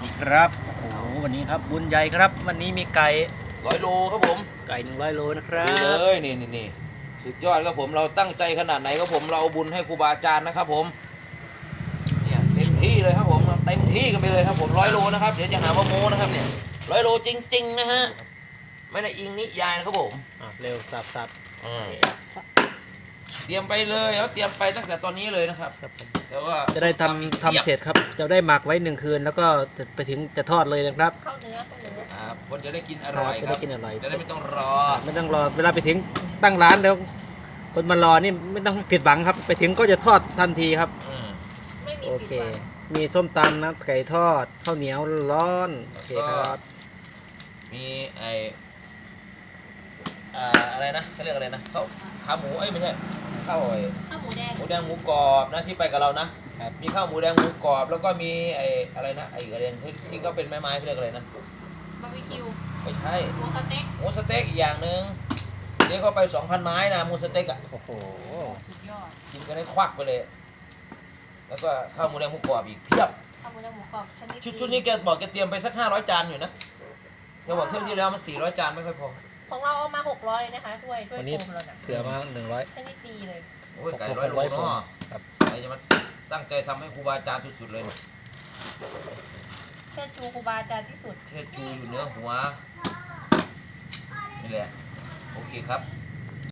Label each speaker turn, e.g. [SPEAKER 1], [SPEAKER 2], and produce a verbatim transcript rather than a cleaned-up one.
[SPEAKER 1] นี่ครับโอ้โหวันนี้ครับบุญใหญ่ครับวันนี้มีไก่
[SPEAKER 2] ร้อยโลครับผม
[SPEAKER 1] ไก่หนึ่งร้อยโลนะครับ
[SPEAKER 2] ดูเลยนี่นี่นี่สุดยอดครับผมเราตั้งใจขนาดไหนครับผมเราเอาบุญให้ครูบาอาจารย์นะครับผมเนี่ยเต็มที่เลยครับผมเต็มที่กันไปเลยครับผมร้อยโลนะครับเดี๋ยวจะหาว่าโม้นะครับเนี่ยร้อยโลจริงๆนะฮะไม่ได้อิงนิยายนะครับผม
[SPEAKER 1] อ่ะเร็วสับสับ
[SPEAKER 2] เตรียมไปเลยเขาเตรียมไปตั้งแต่ตอนนี้เลยนะครับแต่ว่า
[SPEAKER 1] จะได้ทำทำเสร็จครับจะได้หมักไว้หนึ่งคืนแล้วก็จะไปถึงจะทอดเลยนะครับ
[SPEAKER 3] เข้าเนื้อเข้าเนื้อ
[SPEAKER 2] ครับคนจะได้กินอร่อยครับจะได้กินอร่อยจะได้ไม่ต้องรอ
[SPEAKER 1] ไม่ต้องรอเวลาไปถึงตั้งร้านแล้วคนมารอนี่ไม่ต้องผิดหวังครับไปถึงก็จะทอดทันทีครับโอเคมีส้มตำนะไก่ทอดข้าวเหนียวร้อนโอเคครับ
[SPEAKER 2] มีไออะไรนะเขาเรียกอะไรนะข้าวขาหมูเอ้ยไม่ใช่ข้าวไอ้
[SPEAKER 3] ข้าวหมูแดง
[SPEAKER 2] หมูแดงหมูกรอบนะที่ไปกับเรานะมีข้าวหมูแดงหมูกรอบแล้วก็มีไอ้อะไรนะไอ้อะไรที่ก็เป็นไม้ไม้เขาเรียกอะไรนะ
[SPEAKER 3] บาร์บีคิว
[SPEAKER 2] ไม่ใช่
[SPEAKER 3] หมูสเต็ก
[SPEAKER 2] หมูสเต็กอีกอย่างหนึ่งเจ๊เข้าไปสองพันไม้นะหมูสเต็กอ่ะ
[SPEAKER 1] โอ้โห
[SPEAKER 3] สุดยอด
[SPEAKER 2] กินกันได้ควักไปเลยแล้วก็ข้าวหมูแดงหมูกรอบอีกเพียบ
[SPEAKER 3] ข้าวหมูแดงหมูกรอบชนิด
[SPEAKER 2] ชุดชุดนี้แกบอกแกเตรียมไปสักห้าร้อยจานอยู่นะแกบอกเที่ยวที่แล้วมันสี่ร้อยจานไม่ค่อยพอ
[SPEAKER 3] ของเราเอามาหกร้อยเลยนะคะถ้วยถ้วยโฟมเราเนี่ย
[SPEAKER 1] เผื่อมาหนึ่งร้อย
[SPEAKER 3] ชนิดดีเลย
[SPEAKER 2] โอ้ยไก่ร้อยโลเนาะครับใครจะมาตั้งใจทำให้ครูบาอาจารย์สุดๆเลย
[SPEAKER 3] เชิดชูครูบาอาจารย์ที่สุด
[SPEAKER 2] เชิดชูอยู่เนื้อหัวนี่แหละโอเคครับ